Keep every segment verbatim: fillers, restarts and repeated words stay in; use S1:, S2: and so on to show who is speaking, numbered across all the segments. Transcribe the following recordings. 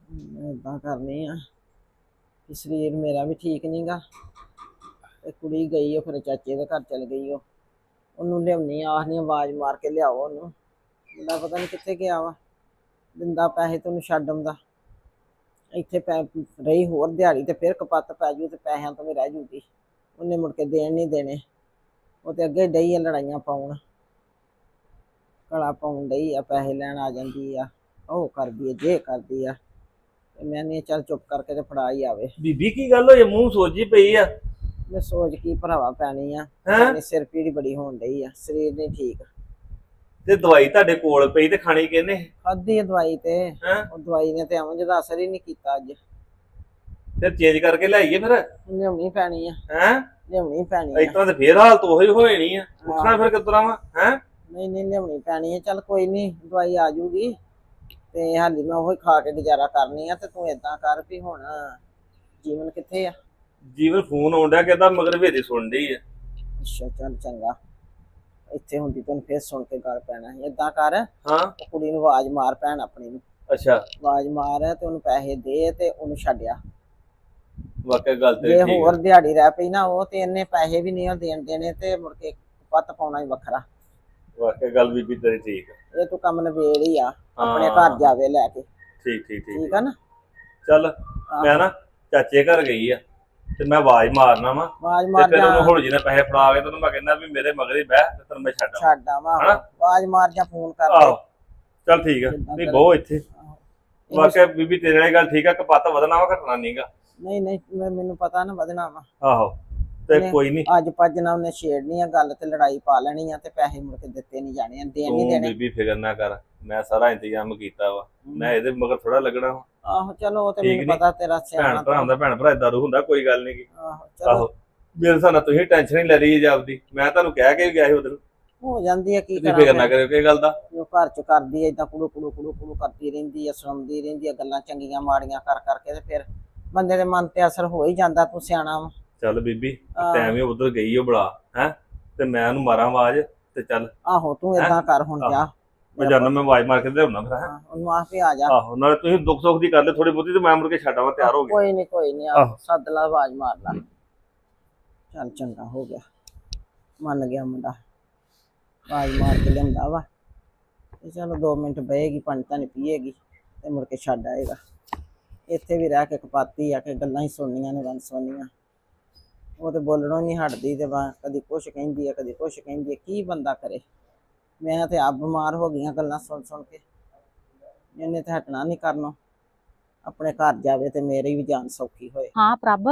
S1: ਇਦਾਂ ਕਰਨੀ ਆ ਕਿ ਸਰੀਰ ਮੇਰਾ ਵੀ ਠੀਕ ਨੀ ਗਾ ਤੇ ਕੁੜੀ ਗਈ ਉਹ ਫਿਰ ਚਾਚੇ ਦੇ ਘਰ ਚਲ ਗਈ ਉਹ ਉਹਨੂੰ ਲਿਆਉਣੀ ਆਖਨੀ ਆਵਾਜ਼ ਮਾਰ ਕੇ ਲਿਆਓ ਉਹਨੂੰ ਮੁੰਡਾ ਪਤਾ ਨਹੀਂ ਕਿੱਥੇ ਗਿਆ ਵਾ ਦਿੰਦਾ ਪੈਸੇ ਤੇ ਉਹਨੂੰ ਛੱਡ ਆਉਂਦਾ ਇੱਥੇ ਪੈ ਰਹੀ ਹੋਰ ਦਿਹਾੜੀ ਤੇ ਫਿਰ ਕਪੱਤ ਪੈ ਜੂ ਤੇ ਪੈਸਿਆਂ ਤੋਂ ਵੀ ਰਹਿ ਜੂਗੀ ਉਹਨੇ ਮੁੜ ਕੇ ਦੇਣ ਨਹੀਂ ਦੇਣੇ ਉਹ ਤੇ ਅੱਗੇ ਡਈ ਆ ਲੜਾਈਆਂ ਪਾਉਣ ਕਲਾ ਪਾਉਣ ਡਈ ਆ ਪੈਸੇ ਲੈਣ ਆ ਜਾਂਦੀ ਆ ਉਹ ਕਰਦੀ ਆ ਜੇ ਕਰਦੀ ਆ ਤੇ ਮੈਂ ਨਹੀਂ ਚੱਲ ਚੁੱਪ ਕਰਕੇ ਤੇ ਫੜਾ ਹੀ ਆਵੇ
S2: ਬੀਬੀ ਕੀ ਗੱਲ ਹੋਈ ਮੂੰਹ ਸੋਜੀ ਪਈ ਆ
S1: ਮੈਂ ਸੋਚ ਕੀ ਭਰਾਵਾ ਪੈਣੀ ਆ
S2: ਹੈਂ
S1: ਸਿਰ ਪੀੜੀ ਬੜੀ ਹੋਣ ਡਈ ਆ ਸਰੀਰ ਨਹੀਂ ਠੀਕ
S2: ਤੇ ਦਵਾਈ ਤੁਹਾਡੇ ਕੋਲ ਪਈ ਤੇ ਖਾਣੀ ਕਿਹਨੇ
S1: ਖਾਧੀ ਆ ਦਵਾਈ ਤੇ
S2: ਹੈਂ
S1: ਉਹ ਦਵਾਈ ਨੇ ਤੇ ਐਵੇਂ ਜਿਹਦਾ ਅਸਰ ਹੀ ਨਹੀਂ ਕੀਤਾ ਅੱਜ
S2: ਫਿਰ ਚੇਂਜ ਕਰਕੇ ਲਿਆਈਏ ਫਿਰ
S1: ਲਿਆਉਣੀ ਪੈਣੀ ਆ
S2: ਹੈਂ
S1: ਲਿਆਉਣੀ ਪੈਣੀ ਆ
S2: ਇਸ ਤਰ੍ਹਾਂ ਤੇ ਫੇਰ ਹਾਲਤ ਉਹੀ ਹੋ ਜਾਣੀ ਆ ਪੁੱਛਣਾ ਫਿਰ ਕਿਸ ਤਰ੍ਹਾਂ ਵਾ ਹੈਂ
S1: ਨਹੀਂ ਨਹੀਂ ਲਿਆਉਣੀ ਪੈਣੀ ਆ ਚੱਲ ਕੋਈ ਨਹੀਂ ਦਵਾਈ ਆ ਜੂਗੀ ਤੇ ਹਾਲੀ ਮੈਂ ਉਹੀ ਖਾ ਕੇ ਗੁਜ਼ਾਰਾ ਕਰਨੀ ਆ ਤੇ ਤੂੰ ਏਦਾਂ ਕਰ ਵੀ ਹੁਣ ਜੀਵਨ ਕਿੱਥੇ ਆ
S2: ਜੀਵਨ ਫੋਨ ਆਉਂਦਾ ਕਹਿੰਦਾ ਮਗਰ ਵੇਰੇ ਸੁਣ ਡਈ ਆ
S1: ਅੱਛਾ ਚੱਲ ਚੰਗਾ ਇੱਥੇ ਹੁੰਦੀ ਤੈਨੂੰ ਫੇਰ ਸੁਣ ਕੇ ਗੱਲ ਪੈਣਾ ਸੀ ਏਦਾਂ ਕਰ
S2: ਹਾਂ
S1: ਉਹ ਕੁੜੀ ਨੂੰ ਆਵਾਜ਼ ਮਾਰ ਭੈਣ ਆਪਣੀ ਨੂੰ
S2: ਅੱਛਾ
S1: ਆਵਾਜ਼ ਮਾਰ ਤੇ ਉਹਨੂੰ ਪੈਸੇ ਦੇ ਤੇ ਉਹਨੂੰ ਛੱਡਿਆ
S2: ਵਾਕਿਆ ਗੱਲ ਤੇ
S1: ਜੇ
S2: ਠੀਕ
S1: ਹੋਰ
S2: ਆ
S1: ਦਿਹਾੜੀ ਰਹਿ ਪਈ ਨਾ ਉਹ ਤੇ ਇਹਨੇ ਪੈਸੇ ਵੀ ਨਹੀਂ ਦੇਣ ਦੇਣੇ ਤੇ ਮੁੜ ਕੇ ਪੱਤ ਪਾਉਣਾ ਹੀ ਵੱਖਰਾ
S2: ਵਾਕਿਆ ਗੱਲ ਬੀਬੀ ਤੇਰੀ ਠੀਕ ਆ
S1: ਇਹ ਤੂੰ ਕੰਮ ਨਵੇੜ ਹੀ ਆ ਆਪਣੇ
S2: ਹਾਂ
S1: ਘਰ ਜਾਵੇ ਲੈ ਕੇ
S2: ਠੀਕ ਠੀਕ ਠੀਕ
S1: ਠੀਕ ਆ ਨਾ
S2: ਚੱਲ ਮੈਂ ਨਾ ਚਾਚੇ ਘਰ ਗਈ ਆ ਤੇ ਮੈਂ ਆਵਾਜ਼ ਮਾਰਨਾ ਵਾ
S1: ਆਵਾਜ਼
S2: ਤੇ
S1: ਮਾਰ
S2: ਫਿਰ
S1: ਜਾ
S2: ਉਹਨੂੰ ਹੁਣ ਜਿਹਨੇ ਪੈਸੇ ਫੜਾ ਕੇ ਤੈਨੂੰ ਮੈਂ ਕਹਿੰਦਾ ਵੀ ਮੇਰੇ ਮਗਰ ਹੀ ਬਹਿ ਤੇ ਤੈਨੂੰ ਮੈਂ ਛੱਡ ਆਵਾਂ
S1: ਛੱਡ ਆਵਾਂ
S2: ਹਨਾ
S1: ਆਵਾਜ਼ ਮਾਰ ਜਾ ਫੋਨ ਕਰ ਦੇ
S2: ਆਹੋ ਚੱਲ ਠੀਕ ਆ
S1: ਜਿੱਦਾਂ
S2: ਨਹੀਂ
S1: ਕਰੇ।
S2: ਬਹੁ ਇੱਥੇ
S1: ਆਹੋ। ਇਹਨੂੰ-
S2: ਵਾਕਿਆ ਬੀਬੀ ਤੇਰੇ ਵਾਲੀ ਗੱਲ ਠੀਕ ਆ ਕਪੱਤ ਵਧਣਾ ਵਾ ਘਟਣਾ ਨਹੀਂਗਾ
S1: ਨਹੀਂ ਨਹੀਂ ਮੈਂ- ਮੈਨੂੰ ਪਤਾ ਨਾ ਵਧਣਾ ਵਾ
S2: ਆਹੋ ਤੇ
S1: ਨਹੀਂ,
S2: ਕੋਈ ਨਹੀਂ
S1: ਅੱਜ ਭੱਜ ਨਾ ਉਹਨੇ ਛੇੜਨੀ ਆ ਗੱਲ ਤੇ ਲੜਾਈ ਪਾ ਲੈਣੀ ਆ ਤੇ ਪੈਸੇ ਮੁੜ ਕੇ ਦਿੱਤੇ ਨਹੀਂ ਜਾਣੇ ਆ ਦੇਣ ਨਹੀਂ
S2: ਤੂੰ
S1: ਦੇਣੇ
S2: ਬੀਬੀ ਫਿਕਰ ਨਾ ਕਰ ਮੈਂ ਸਾਰਾ ਇੰਤਜ਼ਾਮ ਕੀਤਾ ਵਾ ਮੈਂ ਇਹਦੇ ਮਗਰ ਥੋੜਾ ਲੱਗਣਾ ਵਾ
S1: ਆਹੋ ਚਲੋ ਉਹ ਤੇ
S2: ਠੀਕ
S1: ਮੈਨੂੰ
S2: ਨੀ?
S1: ਪਤਾ ਤੇਰਾ ਸਿਆਣਾ
S2: ਭੈਣ ਭਰਾ ਦਾ ਭੈਣ ਭਰਾ ਇਦਾਂ ਹੁੰਦਾ ਕੋਈ ਗੱਲ ਨਹੀਂ
S1: ਆਹੋ ਚਲੋ
S2: ਆਹੋ ਮੇਰੇ ਹਿਸਾਬ ਨਾਲ ਤੁਸੀਂ ਟੈਨਸ਼ਨ ਹੀ ਲੈ ਰਹੀ ਜੀ ਆਪਦੀ ਮੈਂ ਤੁਹਾਨੂੰ ਕਹਿ ਕੇ ਵੀ ਗਿਆ ਸੀ ਉਧਰ
S1: ਹੋ ਜਾਂਦੀ ਆ ਕੀ
S2: ਤੁਸੀਂ ਫਿਕਰ ਨਾ
S1: ਕਰਾਂ
S2: ਕਰਿਓ ਕਿ ਗੱਲ ਦਾ
S1: ਉਹ ਘਰ ਚ ਕਰਦੀ ਐ ਏਦਾਂ ਕੁੜੂ ਕੁੜੂ ਕੁੜੂ ਕੁੜੂ ਕਰਦੀ ਰਹਿੰਦੀ ਆ ਸੁਣਾਉਂਦੀ ਰਹਿੰਦੀ ਆ ਗੱਲਾਂ ਚੰਗੀਆਂ ਮਾੜੀਆਂ ਕਰ ਕਰਕੇ ਤੇ ਫਿਰ ਬੰਦੇ ਦੇ ਮਨ ਤੇ ਅਸਰ ਹੋ ਹੀ ਜਾਂਦਾ ਤੂੰ ਸਿਆਣਾ ਵਾ
S2: ਚੱਲ ਬੀਬੀ
S1: ਆਹ।
S2: ਟਾਈਮ ਹੀ ਉਧਰ ਗਈ ਉਹ ਬੜਾ ਹੈ ਤੇ ਮੈਂ ਉਹਨੂੰ ਮਾਰਾਂ ਆਵਾਜ਼ ਤੇ ਚੱਲ
S1: ਆਹੋ ਤੂੰ ਏਦਾਂ ਕਰ ਹੁਣ ਜਾ
S2: ਮੈਂ ਜਾਣਾ ਮੈਂ ਆਵਾਜ਼ ਮਾਰ ਕੇ ਲਿਆਉਣਾ ਫਿਰ ਹੈਂ।
S1: ਹਾਂ, ਉਹਨੂੰ ਆਖ ਵੀ ਆ ਜਾ
S2: ਆਹੋ ਨਾਲੇ ਤੁਸੀਂ ਦੁੱਖ ਸੁੱਖ ਦੀ ਕਰ ਲੈ ਥੋੜੀ ਬਹੁਤੀ ਤੇ ਮੈਂ ਮੁੜ ਕੇ ਛੱਡ ਆਵਾਂ ਤਿਆਰ ਹੋ ਗਿਆ
S1: ਕੋਈ ਨਹੀਂ ਕੋਈ ਨਹੀਂ
S2: ਆਹੋ।
S1: ਸੱਦ ਲਾ ਆਵਾਜ਼ ਮਾਰ ਲਾ ਚੱਲ ਚੰਗਾ ਹੋ ਗਿਆ ਮੰਨ ਗਿਆ ਮੁੰਡਾ ਆਵਾਜ਼ ਮਾਰ ਕੇ ਲਿਆਂਦਾ ਵਾ ਤੇ ਚਲੋ ਦੋ ਮਿੰਟ ਬਹੇਗੀ ਪਾਣੀ ਤਾਂ ਨਹੀਂ ਪੀਏਗੀ ਤੇ ਮੁੜ ਕੇ ਛੱਡ ਆਏਗਾ ਇੱਥੇ ਵੀ ਰਹਿ ਕੇ ਕਪਾਤੀ ਆ ਕੇ ਗੱਲਾਂ ਹੀ ਸੁਣਨੀਆਂ ਨੇ ਵੰਨ ਸੁਣਨੀਆਂ ਉਹ ਤੇ ਬੋਲਣੋਂ ਨਹੀਂ ਹਟਦੀ ਤੇ ਵਾ ਕਦੀ ਕੁਛ ਕਹਿੰਦੀ ਆ ਕਦੀ ਕੁਛ ਕਹਿੰਦੀ ਆ ਕੀ ਬੰਦਾ ਕਰੇ ਮੈਂ ਤੇ ਆਪ ਬਿਮਾਰ ਹੋ ਗਈਆਂ ਗੱਲਾਂ ਸੁਣ ਸੁਣ ਕੇ ਇਹਨੇ ਤੇ ਹਟਣਾ ਨਹੀਂ ਕਰਨੋਂ ਆਪਣੇ ਘਰ ਜਾਵੇ ਤੇ ਮੇਰੀ ਵੀ ਜਾਨ ਸੌਖੀ ਹੋਏ
S3: ਹਾਂ ਪ੍ਰਭ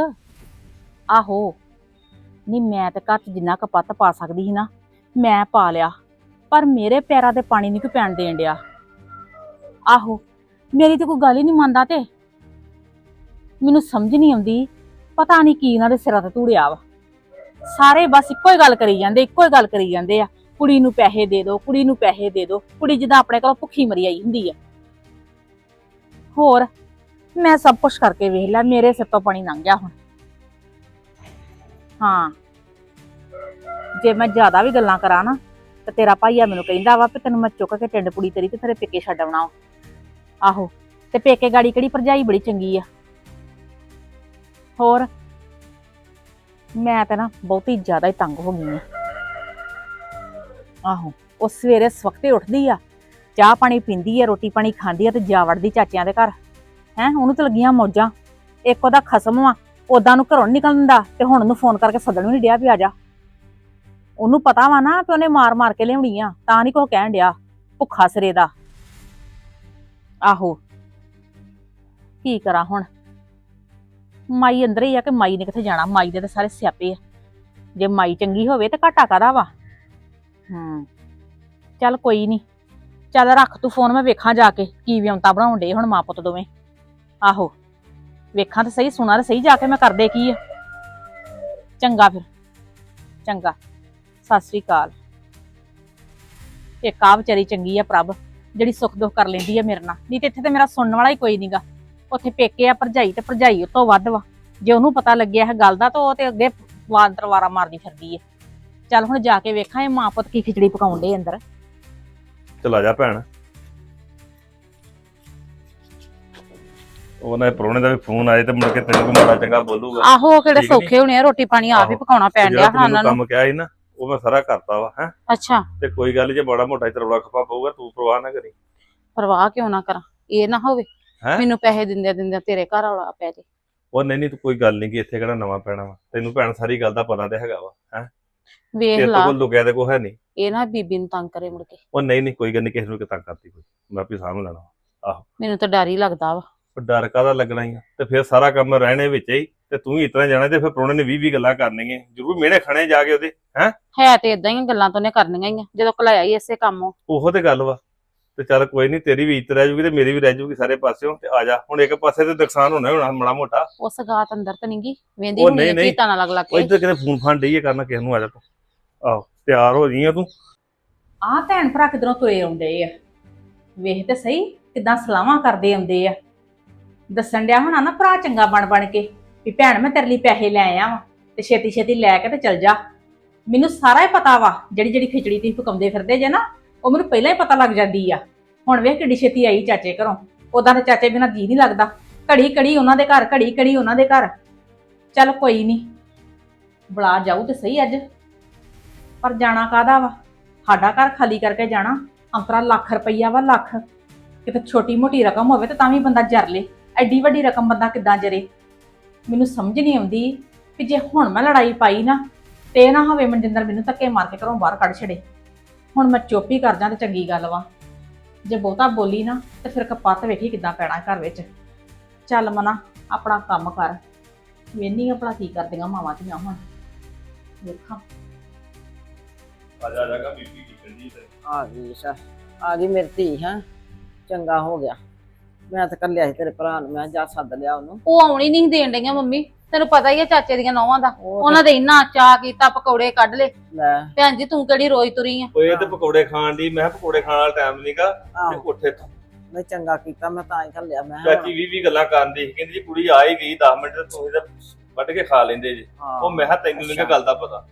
S3: ਆਹੋ ਨਹੀਂ ਮੈਂ ਤੇ ਘਰ 'ਚ ਜਿੰਨਾ ਕਪੱਤ ਪਾ ਸਕਦੀ ਸੀ ਨਾ ਮੈਂ ਪਾ ਲਿਆ ਪਰ ਮੇਰੇ ਪੈਰਾਂ ਤੇ ਪਾਣੀ ਨਹੀਂ ਕੋਈ ਪੈਣ ਦੇਣ ਡਿਆ ਆਹੋ ਮੇਰੀ ਤੇ ਕੋਈ ਗੱਲ ਹੀ ਨਹੀਂ ਮੰਨਦਾ ਤੇ ਮੈਨੂੰ ਸਮਝ ਨਹੀਂ ਆਉਂਦੀ ਪਤਾ ਨਹੀਂ ਕੀ ਇਹਨਾਂ ਦੇ ਸਿਰਾਂ ਤੇ ਧੂੜਿਆ ਵਾ ਸਾਰੇ ਬਸ ਇੱਕੋ ਹੀ ਗੱਲ ਕਰੀ ਜਾਂਦੇ ਇੱਕੋ ਹੀ ਗੱਲ ਕਰੀ ਜਾਂਦੇ ਆ ਕੁੜੀ ਨੂੰ ਪੈਸੇ ਦੇ ਦਿਓ ਕੁੜੀ ਨੂੰ ਪੈਸੇ ਦੇ ਦਿਓ ਕੁੜੀ ਜਿੱਦਾਂ ਆਪਣੇ ਕੋਲ ਭੁੱਖੀ ਮਰੀ ਆਈ ਹੁੰਦੀ ਆ ਹੋਰ ਮੈਂ ਸਭ ਕੁਝ ਕਰਕੇ ਵੇਖ ਲਿਆ ਮੇਰੇ ਸਿਰ ਤੋਂ ਪਾਣੀ ਲੰਘ ਗਿਆ ਹੁਣ ਹਾਂ ਜੇ ਮੈਂ ਜ਼ਿਆਦਾ ਵੀ ਗੱਲਾਂ ਕਰਾਂ ਨਾ ਤੇ ਤੇਰਾ ਭਾਈਆ ਮੈਨੂੰ ਕਹਿੰਦਾ ਵਾ ਕਿ ਤੈਨੂੰ ਮੈਂ ਚੁੱਕ ਕੇ ਟਿੰਡ ਪੁੜੀ ਤੇਰੀ ਤੇ ਤੇਰੇ ਪੇਕੇ ਛੱਡ ਆਉਣਾ ਆਹੋ ਤੇ ਪੇਕੇ ਗਾੜੀ ਕਿਹੜੀ ਭਰਜਾਈ ਬੜੀ ਚੰਗੀ ਆ ਹੋਰ ਮੈਂ ਤਾਂ ਨਾ ਬਹੁਤੀ ਜ਼ਿਆਦਾ ਹੀ ਤੰਗ ਹੋ ਗਈ ਆ ਆਹੋ ਉਹ ਸਵੇਰੇ ਸਵਖਤੇ ਉੱਠਦੀ ਆ ਚਾਹ ਪਾਣੀ ਪੀਂਦੀ ਆ ਰੋਟੀ ਪਾਣੀ ਖਾਂਦੀ ਆ ਤੇ ਜਾ ਵੜਦੀ ਚਾਚਿਆਂ ਦੇ ਘਰ ਹੈ ਉਹਨੂੰ ਤਾਂ ਲੱਗੀਆਂ ਮੌਜਾਂ ਇੱਕ ਉਹਦਾ ਖਸਮ ਵਾ ਉਦਾਂ ਨੂੰ ਘਰੋਂ ਨੀ ਨਿਕਲਣ ਦਿੰਦਾ ਤੇ ਹੁਣ ਉਹਨੂੰ ਫੋਨ ਕਰਕੇ ਸੱਦਣ ਵੀ ਨੀ ਡਿਆ ਵੀ ਆ ਜਾ ਉਹਨੂੰ ਪਤਾ ਵਾ ਨਾ ਕਿ ਉਹਨੇ ਮਾਰ ਮਾਰ ਕੇ ਲਿਆਉਣੀ ਆ ਤਾਂ ਨੀ ਕੁਛ ਕਹਿਣ ਡਿਆ ਭੁੱਖਾ ਸਿਰੇ ਦਾ ਆਹੋ ਕੀ ਕਰਾਂ ਹੁਣ ਮਾਈ ਅੰਦਰ ਹੀ ਆ ਕਿ ਮਾਈ ਨੇ ਕਿੱਥੇ ਜਾਣਾ ਮਾਈ ਦੇ ਤਾਂ ਸਾਰੇ ਸਿਆਪੇ ਆ ਜੇ ਮਾਈ ਚੰਗੀ ਹੋਵੇ ਤੇ ਘਾਟਾ ਕਾਹਦਾ ਵਾ ਹੂੰ ਚੱਲ ਕੋਈ ਨੀ ਚੱਲ ਰੱਖ ਤੂੰ ਫੋਨ ਮੈਂ ਵੇਖਾਂ ਜਾ ਕੇ ਕੀ ਵਿਉਂਤਾ ਬਣਾਉਣ ਡੇ ਹੁਣ ਮਾਂ ਪੁੱਤ ਦੋਵੇਂ ਆਹੋ ਵੇਖਾਂ ਤੇ ਸਹੀ ਸੁਣਾ ਤੇ ਸਹੀ ਜਾ ਕੇ ਮੈਂ ਕਰਦੇ ਕੀ ਆ ਚੰਗਾ ਫਿਰ ਚੰਗਾ ਸਤਿ ਸ੍ਰੀ ਅਕਾਲ ਇੱਕ ਆ ਵਿਚਾਰੀ ਚੰਗੀ ਆ ਪ੍ਰਭ ਜਿਹੜੀ ਸੁੱਖ ਦੁੱਖ ਕਰ ਲੈਂਦੀ ਆ ਮੇਰੇ ਨਾਲ ਨਹੀਂ ਤੇ ਇੱਥੇ ਤੇ ਮੇਰਾ ਸੁਣਨ ਵਾਲਾ ਹੀ ਕੋਈ ਨਹੀਂਗਾ ਉੱਥੇ ਪੇਕੇ ਆ ਭਰਜਾਈ ਤੇ ਭਰਜਾਈ ਤੋਂ ਵੱਧ ਵਾ ਜੇ ਉਹਨੂੰ ਪਤਾ ਲੱਗਿਆ ਇਹ ਗੱਲ ਦਾ ਤਾਂ ਉਹ ਤੇ ਅੱਗੇ ਵਾਰ ਤਰਵਾਰਾ ਮਾਰਦੀ ਫਿਰਦੀ ਆ ਚੱਲ ਹੁਣ ਜਾ ਕੇ ਵੇਖਾਂ ਇਹ ਮਾਂ ਪੁੱਤ ਕੀ ਖਿਚੜੀ ਪਕਾਉਣ ਡੇ ਅੰਦਰ
S2: ਚਲਾ ਜਾ ਭੈਣ ਉਹਨਾਂ ਦੇ ਪ੍ਰਾਹੁਣੇ ਦਾ ਵੀ ਫੋਨ ਆਏ ਤੇ ਮੁੜ ਕੇ ਤੈਨੂੰ ਕੋਈ ਮਾੜਾ ਚੰਗਾ ਬੋਲੂਗਾ।
S3: ਆਹੋ ਉਹ ਕਿਹੜੇ
S2: ਠੀਕ ਨੀ?
S3: ਸੌਖੇ ਹੋਣੇ ਆ, ਰੋਟੀ ਪਾਣੀ ਆਪ ਹੀ
S2: ਆਹੋ।
S3: ਪਕਾਉਣਾ ਪੈਣ
S2: ਜਿਹੜਾ
S3: ਡਿਆ
S2: ਤੂੰ
S3: ਹਾਂ
S2: ਮੈਨੂੰ
S3: ਉਹਨਾਂ ਨੂੰ।
S2: ਕੰਮ ਕਿਹਾ ਸੀ ਨਾ ਉਹ ਮੈਂ ਸਾਰਾ ਕਰਤਾ ਵਾ ਹੈ।
S3: ਅੱਛਾ
S2: ਤੇ ਕੋਈ ਗੱਲ ਨੀ, ਜੇ ਬੜਾ ਮੋਟਾ ਤਰੌਲਾ ਖਪਾ ਪਊਗਾ ਤੂੰ ਪਰਵਾਹ ਨਾ ਕਰੀ।
S3: ਪਰਵਾਹ ਕਿਉਂ ਨਾ ਕਰਾਂ, ਇਹ ਨਾ ਹੋਵੇ
S2: ਹੈਂ?
S3: ਮੈਨੂੰ ਪੈਸੇ ਦਿੰਦੇ ਦਿੰਦੇ ਤੇਰੇ ਘਰ ਵਾਲਾ ਪੈ ਜੇ।
S2: ਉਹ ਨਹੀਂ ਨਹੀਂ ਤੂੰ ਕੋਈ ਗੱਲ ਨਹੀਂ ਕਿ ਇੱਥੇ ਕਿਹੜਾ ਨਵਾਂ ਪੈਣਾ ਵਾ, ਤੈਨੂੰ ਭੈਣ ਸਾਰੀ ਗੱਲ ਦਾ ਪਤਾ ਤੇ ਹੈਗਾ ਵਾ ਹੈ।
S3: ਵੇਖ
S2: ਤੇਰੇ ਤੋਂ
S3: ਲਾ
S2: ਕੋਈ ਲੁਕਿਆ ਤੇ ਕੋਈ ਹੈ ਨਹੀਂ।
S3: ਇਹ ਨਾ ਬੀਬੀ ਨੂੰ ਤੰਗ ਕਰੇ ਮੁੜ ਕੇ।
S2: ਉਹ ਨਹੀਂ ਨਹੀਂ ਕੋਈ ਗੱਲ ਨਹੀਂ, ਕਿਸੇ ਨੂੰ ਕਿਤਾ ਕਰਤੀ ਕੋਈ, ਮੈਂ ਆਪੇ ਸਾਂਭ ਲੈਣਾ ਵਾ।
S3: ਮੈਨੂੰ ਤਾਂ ਡਰ ਹੀ ਲੱਗਦਾ ਵਾ।
S2: ਉਹ ਡਰ ਕਾਹਦਾ ਲੱਗਣਾ ਹੀ ਆ, ਤੇ ਫਿਰ ਸਾਰਾ ਕੰਮ ਰਹਿਣੇ ਵਿੱਚ ਹੀ ਤੇ ਤੂੰ ਹੀ ਇਤਨਾ ਜਾਣਾ ਤੇ ਫਿਰ ਪ੍ਰਾਹੁਣੇ ਨੇ ਵੀਹ ਵੀਹ ਗੱਲਾਂ ਕਰਨੀਆਂ ਜ਼ਰੂਰ, ਮਿਹਣੇ ਖਾਣੇ ਜਾ ਕੇ ਉਹਦੇ।
S3: ਹੈ ਤੇ ਇਦਾਂ ਹੀ ਗੱਲਾਂ ਤੋਂ ਨੇ ਕਰਨੀਆਂ ਹੀ ਆ ਜਦੋਂ ਕਲਾਇਆ ਹੀ ਇਸੇ ਕੰਮੋਂ।
S2: ਉਹੋ ਤੇ ਗੱਲ ਵਾ। ਤੇ ਚੱਲ ਕੋਈ ਨਹੀਂ, ਤੇਰੀ ਵੀ ਇੱਜ਼ਤ ਰਹਿ ਜੂਗੀ ਤੇ ਮੇਰੀ ਵੀ ਰਹਿ ਜੂਗੀ ਸਾਰੇ ਪਾਸਿਓਂ। ਤੇ ਆ ਜਾ ਹੁਣ, ਇੱਕ ਪਾਸੇ ਤੇ ਨੁਕਸਾਨ ਹੋਣਾ ਹੀ ਹੋਣਾ ਮਾੜਾ ਮੋਟਾ।
S3: ਉਸ ਗਾਤ ਅੰਦਰ ਤਾਂ ਨਹੀਂਗੀ ਵੇਂਦੀ
S2: ਉਹ
S3: ਹੁਣੀ
S2: ਨਹੀਂ, ਨਹੀਂ।
S3: ਕੀਤਾਂ ਨਾਲ ਲੱਗ ਲੱਗ
S2: ਉਹ
S3: ਕੇ।
S2: ਇੱਧਰ ਕਿਤੇ ਫੋਨ ਫਾਨ ਡਈ ਆ ਕਰਨਾ ਕਿਸੇ ਨੂੰ, ਆ ਜਾ ਤੂੰ। ਆਹੋ ਤਿਆਰ ਹੋ ਜੀ ਆ ਤੂੰ।
S3: ਆਹ ਭੈਣ ਭਰਾ ਕਿਧਰੋਂ ਤੁਰੇ ਆਉਂਦੇ ਆ, ਵੇਖ ਤੇ ਸਹੀ ਕਿਦਾਂ ਸਲਾਹਾਂ ਕਰਦੇ ਆਉਂਦੇ ਆ। ਦੱਸਣ ਡਿਆ ਹੋਣਾ ਨਾ ਭਰਾ ਚੰਗਾ ਬਣ ਬਣ ਕੇ ਵੀ ਭੈਣ ਮੈਂ ਤੇਰੇ ਲਈ ਪੈਸੇ ਲੈ ਆਇਆ ਵਾਂ ਤੇ ਛੇਤੀ ਛੇਤੀ ਲੈ ਕੇ ਤੇ ਚਲ ਜਾ। ਮੈਨੂੰ ਸਾਰਾ ਹੀ ਪਤਾ ਵਾ, ਜਿਹੜੀ ਜਿਹੜੀ ਖਿਚੜੀ ਤੁਸੀਂ ਪਕਾਉਂਦੇ ਫਿਰਦੇ ਜੇ ਨਾ ਉਹ ਮੈਨੂੰ ਪਹਿਲਾਂ ਹੀ ਪਤਾ ਲੱਗ ਜਾਂਦੀ ਆ। ਹੁਣ ਵੇਖ ਕਿੱਡੀ ਛੇਤੀ ਆਈ ਚਾਚੇ ਘਰੋਂ, ਉਦਾਂ ਤੇ ਚਾਚੇ ਬਿਨਾਂ ਜੀ ਨਹੀਂ ਲੱਗਦਾ। ਘੜੀ ਘੜੀ ਉਹਨਾਂ ਦੇ ਘਰ, ਘੜੀ ਘੜੀ ਉਹਨਾਂ ਦੇ ਘਰ। ਚੱਲ ਕੋਈ ਨਹੀਂ, ਬੁਲਾ ਜਾਊ ਤੇ ਸਹੀ ਅੱਜ, ਪਰ ਜਾਣਾ ਕਾਹਦਾ ਵਾ? ਸਾਡਾ ਘਰ ਖਾਲੀ ਕਰਕੇ ਜਾਣਾ? ਅੰਤਰਾ ਲੱਖ ਰੁਪਈਆ ਵਾ, ਲੱਖ। ਕਿਤੇ ਛੋਟੀ ਮੋਟੀ ਰਕਮ ਹੋਵੇ ਤੇ ਤਾਂ ਵੀ ਬੰਦਾ ਜਰ ਲੇ, ਐਡੀ ਵੱਡੀ ਰਕਮ ਬੰਦਾ ਕਿੱਦਾਂ ਜਰੇ? ਮੈਨੂੰ ਸਮਝ ਨਹੀਂ ਆਉਂਦੀ ਕਿ ਜੇ ਹੁਣ ਮੈਂ ਲੜਾਈ ਪਾਈ ਨਾ ਤੇ ਇਹ ਨਾ ਹੋਵੇ ਮਨਜਿੰਦਰ ਮੈਨੂੰ ਧੱਕੇ ਮਾਰ ਕੇ ਘਰੋਂ ਬਾਹਰ ਕੱਢ ਛੜੇ। ਹੁਣ ਮੈਂ ਚੁੱਪ ਹੀ ਕਰ ਜਾਂ ਤੇ ਚੰਗੀ ਗੱਲ ਵਾ, ਜੇ ਬਹੁਤਾ ਬੋਲੀ ਨਾ ਤੇ ਫਿਰ ਕਪੱਤ ਵੇਖੀ ਕਿੱਦਾਂ ਪੈਣਾ ਘਰ ਵਿੱਚ। ਚੱਲ ਮਨਾ ਆਪਣਾ ਕੰਮ ਕਰ, ਵੇਨੀ ਆਪਣਾ ਕੀ ਕਰਦੀਆਂ ਮਾਵਾਂ ਧੀਆਂ ਹੁਣ ਵੇਖਾਂ।
S2: ਆ ਜਾ ਜਾਗਾ ਬੀਬੀ ਕੀ ਕਹਿੰਦੀ ਤੇ।
S1: ਆ ਗਈ ਸਾ ਆ ਗਈ ਮੇਰੀ ਧੀ ਹੈ, ਚੰਗਾ ਹੋ ਗਿਆ। ਮੈਂ ਤਾਂ ਕੱਲਿਆ ਸੀ ਤੇਰੇ ਭਰਾ ਨੂੰ, ਮੈਂ ਕਿਹਾ ਜਾ ਸੱਦ ਲਿਆ ਉਹਨੂੰ।
S3: ਉਹ ਆਉਣੀ ਨਹੀਂ ਦੇਣ ਡਈਆਂ ਮੰਮੀ, ਤੈਨੂੰ ਪਤਾ ਹੀ ਆ ਚਾਚੇ ਦੀਆਂ ਨੌਵਾਂ ਦਾ।
S1: ਉਹ
S3: ਉਹਨਾਂ ਦੇ ਇੰਨਾ ਚਾਅ ਕੀਤਾ, ਪਕੌੜੇ ਕੱਢ ਲੇ।
S1: ਲੈ
S3: ਭੈਣ ਜੀ ਤੂੰ ਕਿਹੜੀ ਰੋਈ ਤੁਰੀ ਆ?
S2: ਓਏ ਇਹ ਤੇ ਪਕੌੜੇ ਖਾਣ ਦੀ, ਮੈਂ ਕਿਹਾ ਪਕੌੜੇ ਖਾਣ ਵਾਲਾ ਟਾਈਮ ਨਹੀਂਗਾ ਤੇ
S1: ਆਹੋ
S2: ਉੱਠੇ ਤੋਂ।
S1: ਨਹੀਂ ਚੰਗਾ ਕੀਤਾ, ਮੈਂ ਤਾਂ ਹੀ ਕੱਲਿਆ। ਮੈਂ ਕਿਹਾ
S2: ਚਾਚੀ ਵੀਹ ਵੀਹ ਗੱਲਾਂ ਕਰਨ ਦੀ ਸੀ, ਕਹਿੰਦੀ ਜੀ ਕੁੜੀ ਆ ਹੀ ਗਈ ਦਸ ਮਿੰਟ ਤੇ ਤੁਸੀਂ ਤਾਂ ਵੱਢ ਕੇ ਖਾ ਲੈਂਦੇ ਜੀ।
S1: ਹਾਂ।
S2: ਉਹ ਮੈਂ ਕਿਹਾ ਤੈਨੂੰ ਨਹੀਂ ਗੱਲ ਦਾ ਪਤਾ।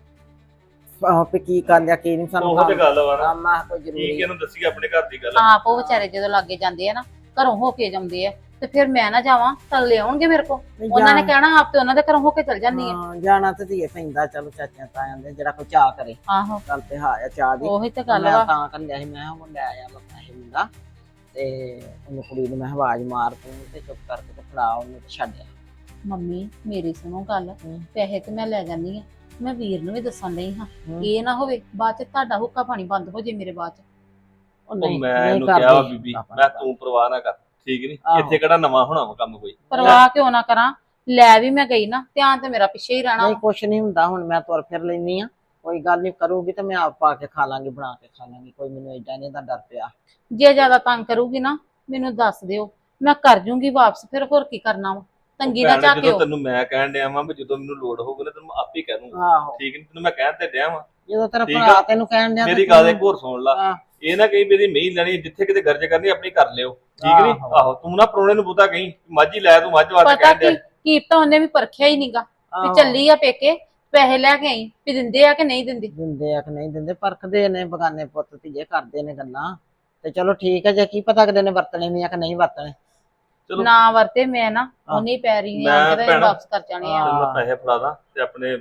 S1: ਆਹੋ ਵੀ ਕੀ ਕਰ ਲਿਆ ਕੀ ਨਹੀਂ ਸਾਨੂੰ
S2: ਉਹ ਤੇ ਗੱਲ ਵਾ ਨਾ,
S1: ਮੈਂ ਕੋਈ
S2: ਕੀ
S1: ਜ਼ਰੂਰੀ
S2: ਕਿਹਨੂੰ ਦੱਸੀ ਆਪਣੇ ਘਰ ਦੀ ਗੱਲ।
S3: ਆਪ ਉਹ ਵਿਚਾਰੇ ਜਦੋਂ ਲਾਗੇ ਜਾਂਦੇ ਆ ਨਾ, ਘਰੋਂ ਹੋ ਕੇ ਜਾਂਦੇ ਆ, ਤੇ ਫਿਰ ਮੈਂ ਨਾ ਜਾਵਾਂ ਤਾਂ ਲੈ ਆਉਣਗੇ ਮੇਰੇ ਕੋਲ।
S1: ਨਹੀਂ
S3: ਉਹਨਾਂ ਨੇ
S1: ਜਾਣ-
S3: ਕਹਿਣਾ ਆਪ ਤੇ ਉਹਨਾਂ ਦੇ ਘਰੋਂ ਹੋ ਕੇ ਚਲ ਜਾਂਦੀ ਆ।
S1: ਹਾਂ, ਜਾਣਾ ਤੇ ਧੀਏ ਪੈਂਦਾ, ਚਲੋ ਚਾਚਿਆਂ ਤਾਇਆਂ ਦੇ ਜਿਹੜਾ ਕੋਈ ਚਾਹ ਕਰੇ।
S3: ਆਹੋ
S1: ਗੱਲ ਤੇ ਹਾਂ ਆ ਚਾਹ ਦੀ।
S3: ਉਹੀ ਤੇ ਗੱਲ
S1: ਮੈਂ
S3: ਵਾ।
S1: ਤਾਂ ਕੱਲਿਆ ਸੀ, ਮੈਂ ਕਿਹਾ ਉਹ ਲੈ ਆਇਆ ਵਾ ਪੈਸੇ ਮੁੰਡਾ, ਤੇ ਉਹਨੂੰ ਕੁੜੀ ਨੂੰ ਮੈਂ ਆਵਾਜ਼ ਮਾਰ ਤੂੰ ਤੇ ਚੁੱਪ ਕਰਕੇ ਤੇ ਫੜਾ ਉਹਨੂੰ ਤੇ ਛੱਡਿਆ।
S3: ਮੰਮੀ ਮੇਰੀ ਸੁਣੋ ਗੱਲ,
S1: ਹੂੰ।
S3: ਪੈਸੇ ਤੇ ਮੈਂ ਲੈ ਜਾਂਦੀ ਆ, ਮੈਂ ਵੀਰ ਨੂੰ ਵੀ ਦੱਸਣ ਲਈ ਹਾਂ।
S1: ਹੂੰ।
S3: ਇਹ ਨਾ ਹੋਵੇ ਬਾਅਦ ਚ ਤੁਹਾਡਾ ਹੁੱਕਾ ਪਾਣੀ ਬੰਦ ਹੋ ਜੇ ਮੇਰੇ ਬਾਅਦ ਚ।
S1: ਉਹ
S2: ਉਹ
S1: ਨਹੀਂ
S2: ਮੈਂ
S1: ਨਹੀਂ
S2: ਇਹਨੂੰ ਕਿਹਾ ਵਾ
S1: ਕਰਦੀ
S2: ਬੀਬੀ,
S1: ਆਪਾਂ
S2: ਮੈਂ ਤੂੰ ਪਰਵਾਹ ਨਾ ਕਰ, ਠੀਕ ਨਹੀਂ?
S1: ਆਹੋ।
S2: ਇੱਥੇ ਕਿਹੜਾ ਨਵਾਂ ਹੋਣਾ ਵਾ ਕੰਮ ਕੋਈ।
S3: ਪਰਵਾਹ ਕਿਉਂ ਨਾ ਕਰਾਂ, ਲੈ ਵੀ ਮੈਂ ਗਈ ਨਾ, ਧਿਆਨ ਤੇ ਮੇਰਾ ਪਿੱਛੇ ਹੀ ਰਹਿਣਾ।
S1: ਨਹੀਂ ਕੁਛ ਨਹੀਂ ਹੁੰਦਾ, ਹੁਣ ਮੈਂ ਤੁਰ ਫਿਰ ਲੈਣੀ ਆ, ਕੋਈ ਗੱਲ ਨਹੀਂ ਕਰੂਗੀ ਤੇ ਮੈਂ ਆਪ ਪਾ ਕੇ ਖਾ ਲਾਂਗੀ, ਬਣਾ ਕੇ ਖਾ ਲਾਂਗੀ, ਕੋਈ ਮੈਨੂੰ ਏਦਾਂ ਨਹੀਂ ਦਾ ਡਰ ਪਿਆ।
S3: ਜੇ ਜ਼ਿਆਦਾ ਤੰਗ ਕਰੂਗੀ ਨਾ ਮੈਨੂੰ ਦੱਸ ਦਿਓ, ਮੈਂ ਕਰ ਜੂੰਗੀ ਵਾਪਸ। ਫਿਰ ਹੋਰ ਕੀ ਕਰਨਾ ਵਾ, ਤੰਗੀ ਨਾ
S2: ਭੈਣ, ਜਦੋਂ
S3: ਝਾਕਿਓ।
S2: ਤੈਨੂੰ ਮੈਂ ਕਹਿਣ ਡਿਆ ਵਾਂ ਵੀ ਜਦੋਂ ਮੈਨੂੰ ਲੋੜ ਹੋਊਗੀ ਨਾ ਤੈਨੂੰ ਆਪੇ ਕਹਿ ਦੂੰਗਾ,
S1: ਆਹੋ
S2: ਠੀਕ ਨਹੀਂ? ਤੈਨੂੰ ਮੈਂ ਕਹਿਣ ਤੇ ਡਿਆ ਵਾਂ।
S1: ਜਦੋਂ ਤੇਰਾ
S2: ਠੀਕ
S1: ਭਰਾ
S2: ਆ।
S1: ਤੈਨੂੰ ਕਹਿਣ ਡਿਆ ਤੇ
S2: ਮੇਰੀ
S1: ਤੂੰ-
S2: ਗੱਲ ਇੱਕ ਹੋਰ ਸੁਣ ਲਾ,
S1: ਹਾਂ।
S2: ਇਹ ਨਾ ਕਹੀਂ ਮੇਰੀ ਮਹੀਂ ਲੈਣੀ, ਜਿੱਥੇ ਕਿਤੇ ਗਰਜ ਕਰਨੀ ਆਪਣੀ ਕਰ ਲਿਓ, ਠੀਕ ਨਹੀਂ?
S1: ਆਹੋ।
S2: ਆਹੋ ਤੂੰ ਨਾ ਪ੍ਰਾਹੁਣੇ ਨੂੰ ਬੁੱਧਾ ਕਹੀਂ ਮਾਝੀ ਲੈ, ਤੂੰ ਮੱਝ ਵਾਸਤੇ
S3: ਪਤਾ
S2: ਕਹਿਣ ਡਿਆ।
S3: ਕੀ ਕੀ ਤਾਂ ਉਹਨੇ ਵੀ ਪਰਖਿਆ ਹੀ ਨਹੀਂਗਾ ਵੀ
S1: ਆਹੋ।
S3: ਚੱਲੀ ਆ ਪੇਕੇ, ਪੈਸੇ ਲੈ ਕੇ ਆਈ ਵੀ ਦਿੰਦੇ ਆ ਕਿ ਨਹੀਂ ਦਿੰਦੇ।
S1: ਦਿੰਦੇ ਆ ਕਿ ਨਹੀਂ ਦਿੰਦੇ, ਪਰਖਦੇ ਨੇ ਬਗਾਨੇ ਪੁੱਤ ਧੀਏ, ਕਰਦੇ ਨੇ ਗੱਲਾਂ। ਤੇ ਚਲੋ ਠੀਕ ਹੈ, ਜੇ ਕੀ ਪਤਾ ਅਗਲੇ ਨੇ ਵਰਤਣੇ ਵੀ ਆ ਕਿ ਨਹੀਂ ਵਰਤਣੇ।
S2: ਚਲੋ
S3: ਨਾ ਵਰਤੇ ਮੈਂ ਨਾ ਉਹਨੇ ਪੈਰੀ ਨਹੀਂ
S2: ਮੈਂ
S3: ਆਂਦੇ
S2: ਭੈਣਾ-
S3: ਵਾਪਸ ਕਰ ਜਾਣੇ ਆ।
S2: ਤੈਨੂੰ ਮੈਂ ਪੈਸੇ ਫੜਾ ਦਾਂ ਤੇ ਆਪਣੇ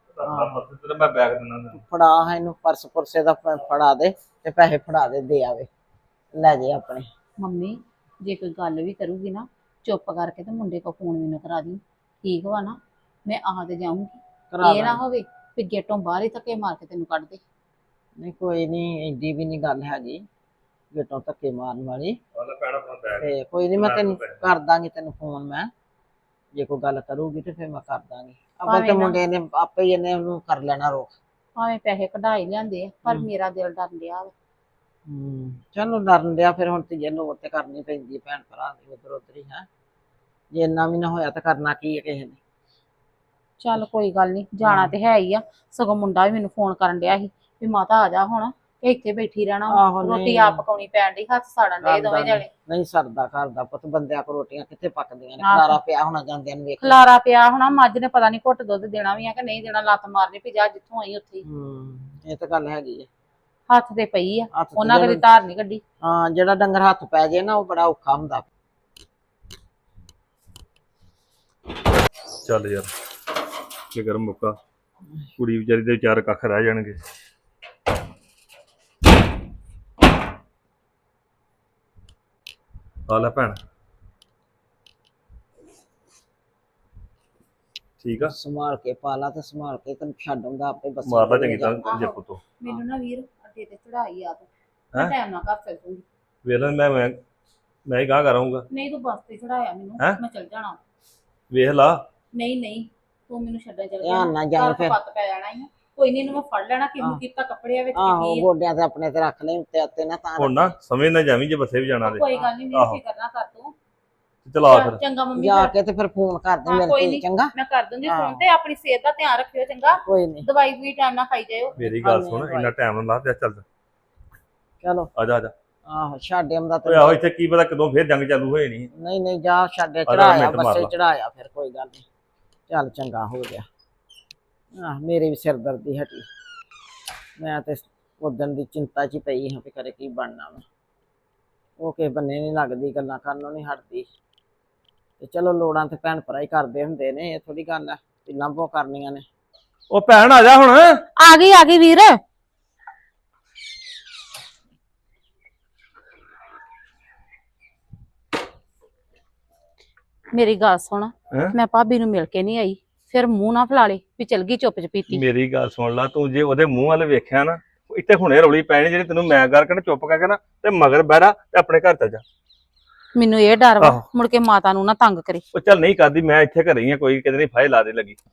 S2: ਪਰਸ ਤੇ ਮੈਂ ਬੈਗ ਦਿੰਦਾ ਤੈਨੂੰ।
S1: ਫੜਾ ਇਹਨੂੰ ਪਰਸ ਪੁਰਸੇ ਦਾ ਫ- ਫੜਾ ਦੇ ਤੇ ਪੈਸੇ ਫੜਾ ਦੇ, ਦੇ ਆਵੇ ਲੈ ਜੇ ਆਪਣੇ।
S3: ਮੰਮੀ ਜੇ ਕੋਈ ਗੱਲ ਵੀ ਕਰੂਗੀ ਨਾ, ਚੁੱਪ ਕਰਕੇ ਤੇ ਮੁੰਡੇ ਕੋ ਫੋਨ ਮੈਨੂੰ ਕਰਾ ਦੀ, ਠੀਕ ਵਾ ਨਾ? ਮੈਂ ਆ ਤੇ ਜਾਊਂਗੀ,
S1: ਕਰਾ
S3: ਇਹ ਨਾ
S1: ਦਾਂਗੇ।
S3: ਹੋਵੇ ਵੀ ਗੇਟੋਂ ਬਾਹਰ ਹੀ ਧੱਕੇ ਮਾਰ ਕੇ ਤੈਨੂੰ ਕੱਢ ਦੇ।
S1: ਨਹੀਂ ਕੋਈ ਨਹੀਂ, ਐਡੀ ਵੀ ਨਹੀਂ ਗੱਲ ਹੈਗੀ ਗੇਟੋਂ ਧੱਕੇ ਮਾਰਨ ਵਾਲੀ।
S2: ਉਹਦਾ ਪੈਣਾ ਆਪਣਾ ਬੈਗ।
S1: ਤੇ ਕੋਈ ਨਹੀਂ, ਮੈਂ
S2: ਮੈਂ
S1: ਤੈਨੂੰ
S2: ਪੈਸੇ-
S1: ਕਰ ਦਾਂਗੀ ਤੈਨੂੰ ਫੋਨ। ਮੈਂ ਜੇ ਕੋਈ ਗੱਲ ਕਰੂਗੀ ਤੇ ਫਿਰ ਮੈਂ ਕਰ ਦਾਂਗੀ। ਅਬਲ
S3: ਭਾਵੇਂ
S1: ਤੇ
S3: ਨਾ-
S1: ਮੁੰਡੇ ਨੇ ਆਪੇ ਹੀ ਇਹਨੇ ਉਹਨੂੰ ਕਰ ਲੈਣਾ ਰੋਕ।
S3: ਭਾਵੇਂ ਪੈਸੇ ਕਢਾਈ ਲਿਆਂਦੇ ਆ, ਪਰ
S1: ਹਮ।
S3: ਮੇਰਾ ਦਿਲ ਡਰ ਲਿਆ ਵਾ।
S1: ਹੂੰ ਚਲੋ ਡਰਨ ਡਿਆ, ਫਿਰ ਹੁਣ ਧੀਏ ਲੋੜ ਤੇ ਕਰਨੀ ਪੈਂਦੀ ਹੈ ਭੈਣ ਭਰਾ ਦੀ, ਉਧਰ ਉਧਰ ਹੀ ਹੈ। ਜੇ ਇੰਨਾ ਵੀ ਨਾ ਹੋਇਆ ਤਾਂ ਕਰਨਾ ਕੀ ਹੈ ਕਿਸੇ ਨੇ।
S3: ਚੱਲ ਕੋਈ ਗੱਲ ਨਹੀਂ, ਜਾਣਾ ਤੇ ਹੈ ਹੀ ਆ। ਸਗੋਂ ਮੁੰਡਾ ਵੀ ਮੈਨੂੰ ਫੋਨ ਕਰਨ ਡਿਆ ਸੀ ਵੀ ਮਾਤਾ ਆ ਜਾ ਹੁਣ, ਕਿ ਇੱਥੇ ਬੈਠੀ ਰਹਿਣਾ ਵਾ।
S1: ਆਹੋ,
S3: ਰੋਟੀ
S1: ਨਹੀਂ।
S3: ਆਪ ਪਕਾਉਣੀ ਪੈਣ ਦੀ, ਹੱਥ ਸਾੜਨ ਦੇ ਦੋਵੇਂ ਜਣੇ।
S1: ਨਹੀਂ ਸਰਦਾ ਘਰ ਦਾ ਪੁੱਤ, ਬੰਦਿਆਂ ਕੋ ਰੋਟੀਆਂ ਕਿੱਥੇ ਪੱਕਦੀਆਂ ਨੇ,
S3: ਆਹੋ।
S1: ਖਲਾਰਾ ਪਿਆ ਹੋਣਾ ਜਾਂਦਿਆਂ ਨੂੰ ਵੇਖ।
S3: ਖਲਾਰਾ ਪਿਆ ਹੋਣਾ, ਮੱਝ ਨੇ ਪਤਾ ਨਹੀਂ ਘੁੱਟ ਦੁੱਧ ਦੇਣਾ ਵੀ ਆ ਕਿ ਨਹੀਂ ਦੇਣਾ, ਲੱਤ ਮਾਰਨੀ ਵੀ ਜਾ ਜਿੱਥੋਂ ਆਈ ਉੱਥੇ ਹੀ।
S1: ਹੂੰ ਇਹ ਤਾਂ ਗੱਲ ਹੈਗੀ ਹੈ।
S3: ਹੱਥ ਤੇ ਪਈ ਆ,
S1: ਹੱਥ ਤੇ
S3: ਉਹਨਾਂ ਕਦੀ
S1: ਜਿਹੜਾ-
S3: ਧਾਰ ਨਹੀਂ ਕੱਢੀ।
S1: ਹਾਂ ਜਿਹੜਾ ਡੰਗਰ ਹੱਥ ਪੈ ਜੇ ਨਾ ਉਹ ਬੜਾ ਔਖਾ ਹੁੰਦਾ।
S2: ਚੱਲ ਯਾਰ ਫਿਕਰ ਮੁੱਕਾ, ਕੁੜੀ ਵਿਚਾਰੀ ਦੇ ਵਿਚਾਰ ਕੱਖ ਰਹਿ ਜਾਣਗੇ। ਆ ਲੈ ਭੈਣ, ਠੀਕ ਆ,
S1: ਸੰਭਾਲ ਕੇ ਪਾਲਾ ਤੇ ਸੰਭਾਲ ਕੇ ਤੈਨੂੰ ਛੱਡ ਆਉਂਦਾ ਆਪੇ ਬੱਸ
S2: ਮਾਰ ਲਾ ਚੰਗੀ ਤਰ੍ਹਾਂ ਜੱਪੂ ਤੋਂ।
S4: ਮੈਨੂੰ ਨਾ ਵੀਰ ਅੱਡੇ ਤੇ ਚੜਾਈ ਆ ਤੂੰ
S2: ਹੈਂ?
S4: ਟਾਈਮ ਨਾਲ ਘਰ ਚੱਲ ਜੂੰਗੀ।
S2: ਵੇਖ ਲੈ ਮੈਂ ਮੈਂ ਮੈਂ ਹੀ ਗਾਹ ਕਰਾਂਗਾ।
S4: ਨਹੀਂ ਤੂੰ ਬੱਸ ਤੇ ਚੜਾਇਆ ਮੈਨੂੰ,
S2: ਹੈਂ?
S4: ਮੈਂ ਚੱਲ ਜਾਣਾ।
S2: ਵੇਖ ਲਾ,
S4: ਨਹੀਂ ਨਹੀਂ ਤੂੰ ਮੈਨੂੰ ਛੱਡਣ ਚੱਲ
S1: ਧਿਆਨ ਨਾਲ ਜਾਈਂ
S4: ਘਰ
S1: ਫਿਰ।
S4: ਪੱਤ ਪੈ ਜਾਣਾ ਹੀ ਆ। ਕੋਈ ਨਹੀਂ ਇਹਨੂੰ ਮੈਂ ਫੜ ਲੈਣਾ, ਕਿਹਨੂੰ
S1: ਆਹ।
S4: ਕੀਤਾ ਕੱਪੜਿਆਂ ਵਿੱਚ
S1: ਆਹੋ
S4: ਕੀ ਆ।
S1: ਗੋਡਿਆਂ ਤੇ ਆਪਣੇ ਤੇ ਰੱਖ ਲੈ, ਉੱਤੇ ਉੱਤੇ ਨਾ ਤਾਂ
S2: ਹੁਣ ਨਾ ਸਮਝ ਨਾ ਜਾਵੀਂ ਜੇ ਬੱਸੇ ਵੀ ਜਾਣਾ ਤੇ
S4: ਕੋਈ ਗੱਲ ਨਹੀਂ,
S2: ਆਹੋ।
S4: ਮੇਰੀ ਫਿਕਰ ਨਾ ਕਰ ਤੂੰ।
S2: ਚਲਾ ਫਿਰ।
S4: ਚੰਗਾ ਮੰਮੀ,
S1: ਜਾ
S4: ਫਿਰ
S1: ਕੇ ਤੇ ਫਿਰ ਫੋਨ ਕਰ ਦੇ
S4: ਹਾਂ,
S1: ਮੇਰੇ
S4: ਕੋਈ
S1: ਤੇ
S4: ਨੀ।
S1: ਚੰਗਾ।
S4: ਮੈਂ ਕਰ ਦੂੰਗੀ
S1: ਆਹੋ।
S4: ਫੋਨ ਤੇ। ਆਪਣੀ ਸਿਹਤ ਦਾ ਧਿਆਨ ਰੱਖਿਓ ਚੰਗਾ।
S1: ਕੋਈ ਨਹੀਂ,
S4: ਦਵਾਈ ਵੀ ਟਾਈਮ ਨਾਲ ਖਾਈ ਜਾਇਓ।
S2: ਮੇਰੀ ਗੱਲ
S1: ਹਾਂ,
S2: ਸੁਣ,
S1: ਨਹੀਂ,
S2: ਇੰਨਾ ਟਾਈਮ ਨਾ ਲਾ ਤੇ ਚੱਲ
S1: ਚਲੋ
S2: ਆ ਜਾ ਆ ਜਾ।
S1: ਆਹੋ ਛੱਡ ਆਉਂਦਾ
S2: ਓਏ ਆਹੋ, ਇੱਥੇ ਕੀ ਪਤਾ ਕਦੋਂ ਫੇਰ ਜੰਗ ਚਾਲੂ ਹੋ ਜਾਣੀ।
S1: ਨਹੀਂ ਨਹੀਂ ਜਾ ਛੱਡਿਆ,
S2: ਜਾ
S1: ਚੜਾਇਆ
S2: ਮਿੰਟ ਮਾਰ
S1: ਬੱਸੇ
S2: ਲਾ।
S1: ਚੜਾਇਆ, ਫਿਰ ਕੋਈ ਗੱਲ ਨਹੀਂ। ਚੱਲ ਚੰਗਾ ਹੋ ਗਿਆ। ਆਹ ਮੇਰੇ ਵੀ ਸਿਰ ਦਰਦੀ ਹਟੀ। ਮੈਂ ਤੇ ਉਦਣ ਦੀ ਚਿੰਤਾ 'ਚ ਹੀ ਪਈ ਹਾਂ ਵੀ ਕਰੇ ਕੀ ਬਣਨਾ ਵਾ। ਉਹ ਕਿਸੇ ਬੰਨੇ ਨਹੀਂ ਲੱਗਦੀ, ਗੱਲਾਂ ਕਰਨੋਂ ਨਹੀਂ ਹਟਦੀ। ਤੇ ਚਲੋ ਲੋੜਾਂ ਤੇ ਭੈਣ ਭਰਾ ਹੀ ਕਰਦੇ ਹੁੰਦੇ ਨੇ, ਇਹ ਥੋੜੀ ਗੱਲ ਆ ਵੀ ਲਾਂਭੋ ਕਰਨੀਆਂ ਨੇ।
S2: ਉਹ ਭੈਣ ਆ ਜਾ ਹੁਣ।
S3: ਆ ਗਈ ਆ ਗਈ ਵੀਰ।
S4: ਮੇਰੀ ਗੱਲ ਸੁਣ,
S2: ਹੈਂ?
S4: ਮੈਂ ਭਾਬੀ ਨੂੰ ਮਿਲ ਕੇ ਨਹੀਂ ਆਈ, ਫਿਰ ਮੂੰਹ ਨਾ ਫਲਾ ਲੇ ਵੀ ਚਲ ਗਈ ਚੁੱਪ ਚਪੀਤੀ।
S2: ਮੇਰੀ ਗੱਲ ਸੁਣ ਲਾ, ਤੂੰ ਜੇ ਉਹਦੇ ਮੂੰਹ ਵੱਲ ਵੇਖਿਆ ਨਾ, ਇੱਥੇ ਹੁਣੇ ਰੌਲੀ ਪੈਣੀ ਜਿਹੜੀ ਤੈਨੂੰ ਮੈਂ ਕਰਕੇ ਨਾ ਚੁੱਪ ਕਰਕੇ ਨਾ ਤੇ ਮਗਰ ਬਹਿਰਾ ਤੇ ਆਪਣੇ ਘਰ ਚੱਲ ਜਾ।
S4: ਮੈਨੂੰ ਇਹ ਡਰ ਵਾ
S2: ਆਹੋ।
S4: ਮੁੜ ਕੇ ਮਾਤਾ ਨੂੰ ਨਾ ਤੰਗ ਕਰੇ।
S2: ਉਹ ਚੱਲ ਨਹੀਂ ਕਰਦੀ, ਮੈਂ ਇੱਥੇ ਘਰੇ ਹੀ ਆ, ਕੋਈ ਕਿਤੇ ਨਹੀਂ ਫਾਇਲ ਲਾ ਦੇ ਲੱਗੀ।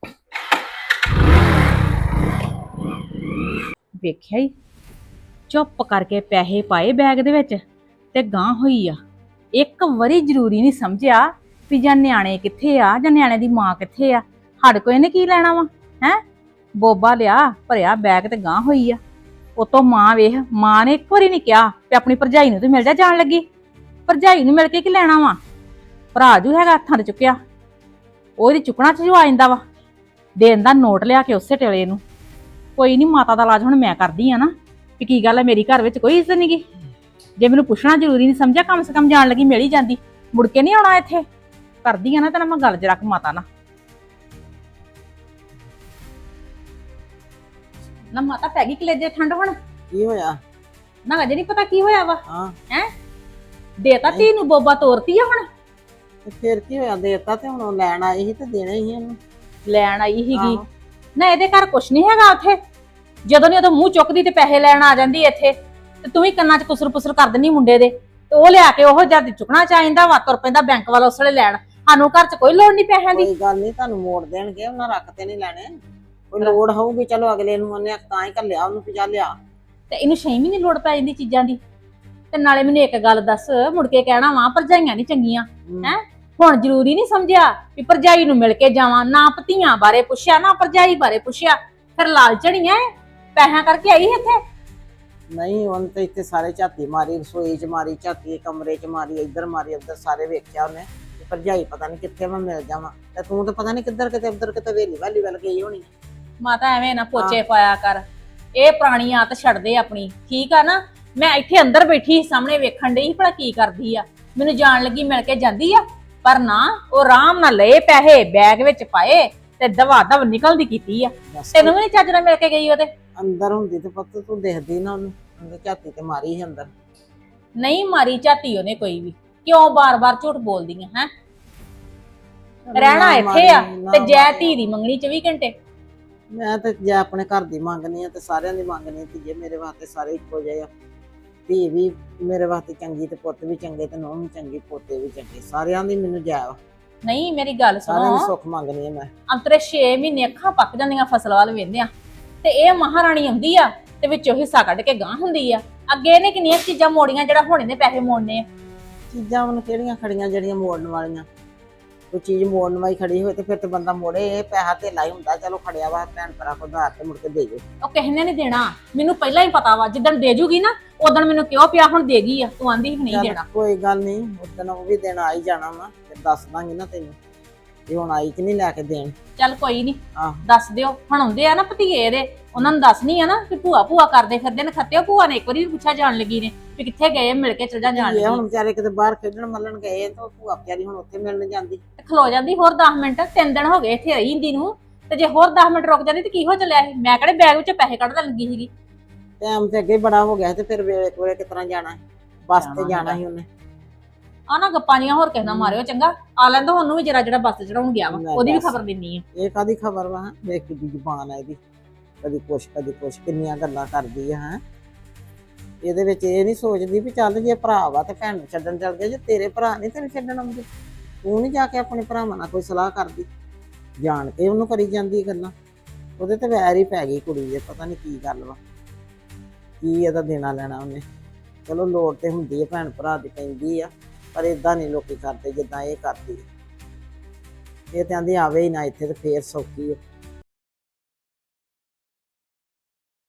S3: ਵੇਖਿਆ ਹੀ ਚੁੱਪ ਕਰਕੇ ਪੈਸੇ ਪਾਏ ਬੈਗ ਦੇ ਵਿੱਚ ਤੇ ਗਾਂ ਹੋਈ ਆ। ਇੱਕ ਵਾਰੀ ਜ਼ਰੂਰੀ ਨਹੀਂ ਸਮਝਿਆ ਵੀ ਜਾਂ ਨਿਆਣੇ ਕਿੱਥੇ ਆ ਜਾਂ ਨਿਆਣੇ ਦੀ ਮਾਂ ਕਿੱਥੇ ਆ। ਸਾਡੇ ਕੋਲ ਇਹਨੇ ਕੀ ਲੈਣਾ ਵਾ ਹੈ। ਬੋਬਾ ਲਿਆ ਭਰਿਆ ਬੈਗ ਤੇ ਗਾਂ ਹੋਈ ਆ। ਉਤੋਂ ਮਾਂ ਵੇਖ, ਮਾਂ ਨੇ ਇੱਕ ਵਾਰੀ ਨਹੀਂ ਕਿਹਾ ਤੇ ਆਪਣੀ ਭਰਜਾਈ ਨੂੰ ਤੇ ਮਿਲ ਜਾ ਜਾਣ ਲੱਗੀ। ਭਰਜਾਈ ਨੂੰ ਮਿਲ ਕੇ ਕੀ ਲੈਣਾ ਵਾ। ਭਰਾ ਜੂ ਹੈਗਾ ਹੱਥਾਂ 'ਤੇ ਚੁੱਕਿਆ, ਉਹਦੀ ਚੁੱਕਣਾ 'ਚ ਜੋ ਆ ਜਾਂਦਾ ਵਾ। ਦੇਣ ਦਾ ਨੋਟ ਲਿਆ ਕੇ ਉਸੇ ਟੇਲੇ ਨੂੰ। ਕੋਈ ਨਹੀਂ, ਮਾਤਾ ਦਾ ਇਲਾਜ ਹੁਣ ਮੈਂ ਕਰਦੀ ਆ ਨਾ ਵੀ ਕੀ ਗੱਲ ਹੈ, ਮੇਰੀ ਘਰ ਵਿੱਚ ਕੋਈ ਇੱਜ਼ਤ ਨਹੀਂ ਗੀ। ਜੇ ਮੈਨੂੰ ਪੁੱਛਣਾ ਜ਼ਰੂਰੀ ਨਹੀਂ ਸਮਝਿਆ, ਕਮ ਸੇ ਕਮ ਜਾਣ ਲੱਗੀ ਮਿਲ ਹੀ ਜਾਂਦੀ। ਮੁੜ ਕੇ ਨਹੀਂ ਆਉਣਾ ਇੱਥੇ। ਕਰਦੀ ਆ ਨਾ ਤੇ ਨਾ ਮੈਂ ਗੱਲ 'ਚ ਰੱਖ ਮਾਤਾ ਨਾਲ। ਨਾ ਮਾਤਾ ਪੈ ਗਈ ਕਲੇਜੇ ਠੰਡ ਹੁਣ।
S1: ਕੀ ਹੋਇਆ?
S3: ਨਾ ਅਜੇ ਨਹੀਂ ਪਤਾ ਕੀ ਹੋਇਆ ਵਾ।
S1: ਹਾਂ
S3: ਦੇਤਾ ਧੀ ਨੂੰ ਬੋਬਾ ਤੋਰਤੀ ਆ ਹੁਣ।
S1: ਤੇ ਫਿਰ ਕੀ ਹੋਇਆ? ਦੇਤਾ ਤੇ ਹੁਣ ਉਹ ਲੈਣ ਆਈ ਸੀ ਤੇ ਦੇਣਾ ਹੀ ਉਹਨੂੰ।
S3: ਲੈਣ ਆਈ ਸੀਗੀ
S1: ਆਹੋ।
S3: ਨਾ, ਇਹਦੇ ਘਰ ਕੁਛ ਨਹੀਂ ਹੈਗਾ ਉੱਥੇ। ਜਦੋਂ ਨਹੀਂ ਉਦੋਂ ਮੂੰਹ ਚੁੱਕਦੀ ਤੇ ਪੈਸੇ ਲੈਣ ਆ ਜਾਂਦੀ ਇੱਥੇ। ਤੇ ਤੂੰ ਵੀ ਕੰਨਾਂ 'ਚ ਕੁਸਰ ਪੁਸਰ ਕਰ ਦਿੰਦੀ ਮੁੰਡੇ ਦੇ, ਤੇ ਉਹ ਲਿਆ ਕੇ ਉਹ ਜਦ ਚੁੱਕਣਾ ਚਾਹੀਦਾ ਵਾ, ਤੁਰ ਪੈਂਦਾ ਬੈਂਕ ਵਾਲਾ ਉਸ ਵੇਲੇ ਲੈਣ। ਸਾਨੂੰ ਘਰ 'ਚ ਕੋਈ ਲੋੜ ਨਹੀਂ ਪੈਸਿਆਂ ਦੀ।
S1: ਕੋਈ ਗੱਲ ਨਹੀਂ, ਤੁਹਾਨੂੰ ਮੋੜ ਦੇਣਗੇ, ਉਹਨਾਂ ਰੱਖ ਤੇ ਨਹੀਂ ਲੈਣੇ। ਕੋਈ ਲੋੜ ਹੋਊਗੀ ਚਲੋ ਅਗਲੇ ਨੂੰ ਉਹਨੇ ਤਾਂ ਹੀ ਘੱਲਿਆ ਉਹਨੂੰ ਵੀ ਜਾ ਲਿਆ।
S3: ਤੇ ਇਹਨੂੰ ਛੇ ਮਹੀਨੇ ਲੋੜ ਪੈ ਜਾਂਦੀ ਚੀਜ਼ਾਂ ਦੀ। ਤੇ ਨਾਲੇ ਮੈਨੂੰ ਇੱਕ ਗੱਲ ਦੱਸ, ਮੁੜ ਕੇ ਕਹਿਣਾ ਵਾ ਭਰਜਾਈਆਂ ਨਹੀਂ ਚੰਗੀਆਂ ਹੈ। ਹੁਣ ਜ਼ਰੂਰੀ ਨਹੀਂ ਸਮਝਿਆ ਵੀ ਭਰਜਾਈ ਨੂੰ ਮਿਲ ਕੇ ਜਾਵਾਂ। ਨਾ ਭਤੀਆਂ ਬਾਰੇ ਪੁੱਛਿਆ, ਨਾ ਭਰਜਾਈ ਬਾਰੇ ਪੁੱਛਿਆ। ਫਿਰ ਲਾਲਚਣੀਆਂ ਪੈਸਿਆਂ ਕਰਕੇ ਆਈ ਇੱਥੇ।
S1: ਨਹੀਂ ਉਹਨੇ ਤੇ ਇੱਥੇ ਸਾਰੇ ਝਾਤੀ ਮਾਰੀ, ਰਸੋਈ 'ਚ ਮਾਰੀ ਝਾਤੀ, ਕਮਰੇ 'ਚ ਮਾਰੀ, ਇੱਧਰ ਮਾਰੀ, ਉੱਧਰ ਸਾਰੇ ਵੇਖਿਆ ਉਹਨੇ। ਤੇ ਭਰਜਾਈ ਪਤਾ ਨਹੀਂ ਕਿੱਥੇ ਮੈਂ ਮਿਲ ਜਾਵਾਂ, ਤੇ ਤੂੰ ਤਾਂ ਪਤਾ ਨਹੀਂ ਕਿੱਧਰ ਕਿਤੇ ਉੱਧਰ ਕਿਤੇ ਵੇਲੀ ਵਾਲੀ ਵੱਲ ਗਈ ਹੋਣੀ।
S3: ਮਾਤਾ ਐਵੇਂ ਨਾ ਪੋਚੇ ਪਾਇਆ ਕਰ। ਇਹ ਪੁਰਾਣੀ ਆਦਤ ਛੱਡ ਦੇ ਆਪਣੀ, ਠੀਕ ਆ ਨਾ। ਮੈਂ ਇੱਥੇ ਅੰਦਰ ਬੈਠੀ ਸਾਹਮਣੇ ਵੇਖਣ ਡਈ ਭਲਾ ਕੀ ਕਰਦੀ ਆ। ਮੈਨੂੰ ਜਾਣ ਲੱਗੀ ਮਿਲ ਕੇ ਜਾਂਦੀ ਆ, ਪਰ ਨਾ ਉਹ ਆਰਾਮ ਨਾਲ ਲਏ ਪੈਸੇ ਬੈਗ ਵਿੱਚ ਪਾਏ ਤੇ ਦਵਾ ਦਵ ਨਿਕਲਦੀ ਕੀਤੀ ਆ।
S1: ਦੱਸ
S3: ਤੈਨੂੰ ਵੀ ਨੀ ਚੱਜ ਨਾਲ ਮਿਲ ਕੇ ਗਈ ਉਹਦੇ।
S1: ਅੰਦਰ ਹੁੰਦੀ ਤੇ ਪੁੱਤ ਤੂੰ ਦੇਖਦੀ ਨਾ ਉਹਨੂੰ। ਉਹਨੇ ਝਾਤੀ ਤੇ ਮਾਰੀ ਸੀ ਅੰਦਰ।
S3: ਨਹੀਂ ਮਾਰੀ ਝਾਤੀ ਉਹਨੇ ਕੋਈ ਵੀ। ਕਿਉਂ ਬਾਰ-ਬਾਰ ਝੂਠ ਬੋਲਦੀਆਂ ਹੈ। ਰਹਿਣਾ
S1: ਨਾ
S3: ਇੱਥੇ ਆ
S1: ਮਾਰੀ, ਨਾ
S3: ਤੇ ਜੈ
S1: ਮਾਰੀ।
S3: ਧੀ ਦੀ ਮੰਗਣੀ ਚੌਵੀ ਘੰਟੇ।
S1: ਮੈਂ ਤੇ ਜੇ ਆਪਣੇ ਘਰ ਦੀ ਮੰਗਣੀ ਆ ਤੇ ਸਾਰਿਆਂ ਦੀ ਮੰਗਣੀ ਆ। ਧੀਏ ਮੇਰੇ ਵਾਸਤੇ ਸਾਰੇ ਇੱਕੋ ਜਿਹੇ ਆ। ਧੀ ਵੀ ਮੇਰੇ ਵਾਸਤੇ ਚੰਗੀ ਤੇ ਪੁੱਤ ਵੀ ਚੰਗੇ ਤੇ ਨੂੰਹ ਵੀ ਚੰਗੀ, ਪੋਤੇ ਵੀ ਚੰਗੇ, ਸਾਰਿਆਂ ਦੀ ਮੈਨੂੰ ਜਾਇ
S3: ਨਹੀਂ ਮੇਰੀ ਗੱਲ
S1: ਸਾਰਿਆਂ ਦੀ
S3: ਸੁਣੋ,
S1: ਸੁੱਖ ਮੰਗਣੀ ਆ ਮੈਂ।
S3: ਅੰਤਰੇ ਛੇ ਮਹੀਨੇ ਅੱਖਾਂ ਪੱਕ ਜਾਂਦੀਆਂ ਫਸਲ ਵੱਲ ਵੇਂਦੇ ਆ ਤੇ ਇਹ ਮਹਾਰਾਣੀ ਆਉਂਦੀ ਆ ਤੇ ਵਿੱਚੋਂ ਹਿੱਸਾ ਕੱਢ ਕੇ ਗਾਂ ਹੁੰਦੀ ਆ। ਅੱਗੇ ਇਹਨੇ ਕਿੰਨੀਆਂ ਚੀਜ਼ਾਂ ਮੋੜੀਆਂ ਜਿਹੜਾ ਹੁਣ ਇਹਨੇ ਪੈਸੇ ਮੋੜਨੇ ਆ।
S1: ਚੀਜ਼ਾਂ ਉਹਨੂੰ ਕਿਹੜੀਆਂ ਖੜੀਆਂ ਜਿਹੜੀਆਂ ਮੋੜਨ ਵਾਲੀਆਂ? ਕੋਈ ਚੀਜ਼ ਮੋੜਨ ਵਾਲੀ ਖੜੀ ਹੋਏ ਤੇ ਫਿਰ ਤੇ ਬੰਦਾ ਮੋੜੇ। ਇਹ ਪੈਸਾ ਧੇਲਾ ਹੀ ਹੁੰਦਾ, ਚਲੋ ਖੜਿਆ ਵਾ ਭੈਣ ਭਰਾ ਕੋ ਉਧਾਰ ਤੇ ਮੁੜ ਕੇ ਦੇ ਜੋ।
S3: ਉਹ ਕਿਸੇ ਨੇ ਨਹੀਂ ਦੇਣਾ, ਮੈਨੂੰ ਪਹਿਲਾਂ ਹੀ ਪਤਾ ਵਾ। ਜਿੱਦਣ ਦੇ ਜੂਗੀ ਨਾ ਉਦੋਂ ਮੈਨੂੰ ਕਿਉਂ ਪਿਆ ਹੁਣ ਦੇ ਗਈ ਆ। ਤੂੰ ਆਂਦੀ ਵੀ ਨਹੀਂ
S1: ਚੱਲ
S3: ਦੇਣਾ।
S1: ਕੋਈ ਗੱਲ ਨਹੀਂ, ਉਸ ਦਿਨ ਉਹ ਵੀ ਦੇਣ ਆ ਹੀ ਜਾਣਾ ਵਾ, ਤੇ ਦੱਸ ਦਾਂਗੀ ਨਾ ਤੈਨੂੰ। ਇਹ ਹੁਣ ਆਈ ਕਿ ਨਹੀਂ ਲੈ ਕੇ ਦੇਣ।
S3: ਚੱਲ ਕੋਈ ਨਹੀਂ
S1: ਆਹ
S3: ਦੱਸ ਦਿਓ, ਹੁਣ ਆਉਂਦੇ ਆ ਨਾ ਭਤੀਏ ਇਹਦੇ, ਉਹਨਾਂ ਨੂੰ ਦੱਸਣੀ ਆ ਨਾ ਕਿ ਭੂਆ ਭੂਆ ਕਰਦੇ ਫਿਰਦੇ ਨੇ ਖੱਤੇ। ਭੂਆ ਨੇ ਇੱਕ ਵਾਰੀ ਵੀ ਪੁੱਛਿਆ ਜਾਣ ਲੱਗੀ ਨੇ ਵੀ ਕਿੱਥੇ ਗਏ, ਮਿਲ ਕੇ ਚਲ ਜਾ ਜਾਣ
S1: ਇਹ ਹੁਣ
S3: ਲੱਗੀ
S1: ਵਿਚਾਰੇ ਕਿਤੇ ਬਾਹਰ ਖੇਡਣ ਮੱਲਣ ਗਏ ਤਾਂ ਭੂਆ ਵਿਚਾਰੀ ਹੁਣ ਉੱਥੇ ਮਿਲਣ ਜਾਂਦੀ।
S3: ਤੇ ਖਲੋ ਜਾਂਦੀ ਹੋਰ ਦਸ ਮਿੰਟ। ਤਿੰਨ ਦਿਨ ਹੋ ਗਏ ਇੱਥੇ ਰਹੀ ਹੁੰਦੀ ਨੂੰ, ਤੇ ਜੇ ਹੋਰ ਦਸ ਮਿੰਟ ਰੁਕ ਜਾਂਦੀ ਤੇ ਕੀ ਹੋ ਚੱਲਿਆ ਸੀ? ਮੈਂ ਕਿਹੜੇ ਬੈਗ ਵਿੱਚ ਪੈਸੇ ਕੱਢਣ ਲੱਗੀ ਸੀਗੀ।
S1: ਟਾਈਮ ਤੇ ਅੱਗੇ ਬੜਾ ਹੋ ਗਿਆ ਤੇ ਫਿਰ ਵੇਲੇ ਕੋਲੇ ਕਿਸ ਤਰ੍ਹਾਂ ਜਾਣਾ ਹੈ? ਬੱਸ
S3: ਜਾਣਾ
S1: ਤੇ ਜਾਣਾ
S3: ਹੈਗਾ।
S1: ਸੀ ਉਹਨੇ।
S3: ਆ ਨਾ ਗੱਪਾਂ ਜੀਆਂ ਹੋਰ ਕਿਸੇ ਨਾਲ ਮਾਰਿਓ ਚੰਗਾ। ਆ ਲੈਂਦਾ ਉਹਨੂੰ ਵੀ ਜਰਾ ਜਿਹੜਾ ਬੱਸ ਚੜਾਉਣ ਗਿਆ ਵਾ,
S1: ਲੈ
S3: ਉਹਦੀ ਵੀ
S1: ਦੱਸ।
S3: ਖਬਰ ਦਿੰਨੀ ਆ।
S1: ਇਹ ਕਾਦੀ ਖਬਰ ਵਾ? ਵੇਖ ਕਿੱਡੀ ਜ਼ੁਬਾਨ ਹੈ ਇਹਦੀ, ਕਦੀ ਕੁਛ ਕਦੀ ਕੁਛ, ਕਿੰਨੀਆਂ ਗੱਲਾਂ ਕਰਦੀ ਆ ਹੈ। ਇਹਦੇ ਵਿੱਚ ਇਹ ਨਹੀਂ ਸੋਚਦੀ ਵੀ ਚੱਲ ਜੇ ਭਰਾ ਵਾ ਤੇ ਭੈਣ ਨੂੰ ਛੱਡਣ ਚੱਲ ਗਏ, ਜੇ ਤੇਰੇ ਭਰਾ ਨਹੀਂ ਤੈਨੂੰ ਛੱਡਣ ਆਉਂਦੇ, ਤੂੰ ਨਹੀਂ ਜਾ ਕੇ ਆਪਣੇ ਭਰਾਵਾਂ ਨਾਲ ਕੋਈ ਸਲਾਹ ਕਰਦੀ? ਜਾਣ ਕੇ ਉਹਨੂੰ ਕਰੀ ਜਾਂਦੀ ਗੱਲਾਂ। ਉਹਦੇ ਤੇ ਵੈਰ ਹੀ ਪੈ ਗਈ ਕੁੜੀ ਦੇ, ਪਤਾ ਨਹੀਂ ਕੀ ਗੱਲ ਵਾ, ਕੀ ਇਹਦਾ ਦੇਣਾ ਲੈਣਾ ਉਹਨੇ। ਚਲੋ ਲੋੜ ਤੇ ਹੁੰਦੀ ਹੈ, ਭੈਣ ਭਰਾ ਦੀ ਪੈਂਦੀ ਆ, ਪਰ ਇਦਾਂ ਨਹੀਂ ਲੋਕੀ ਕਰਦੇ ਜਿੱਦਾਂ ਇਹ ਕਰਦੀ ਹੈ। ਇਹ ਤੇ ਆਂਦੀ ਆਵੇ ਹੀ ਨਾ ਇੱਥੇ ਤੇ ਫੇਰ ਸੌਖੀ ਆ।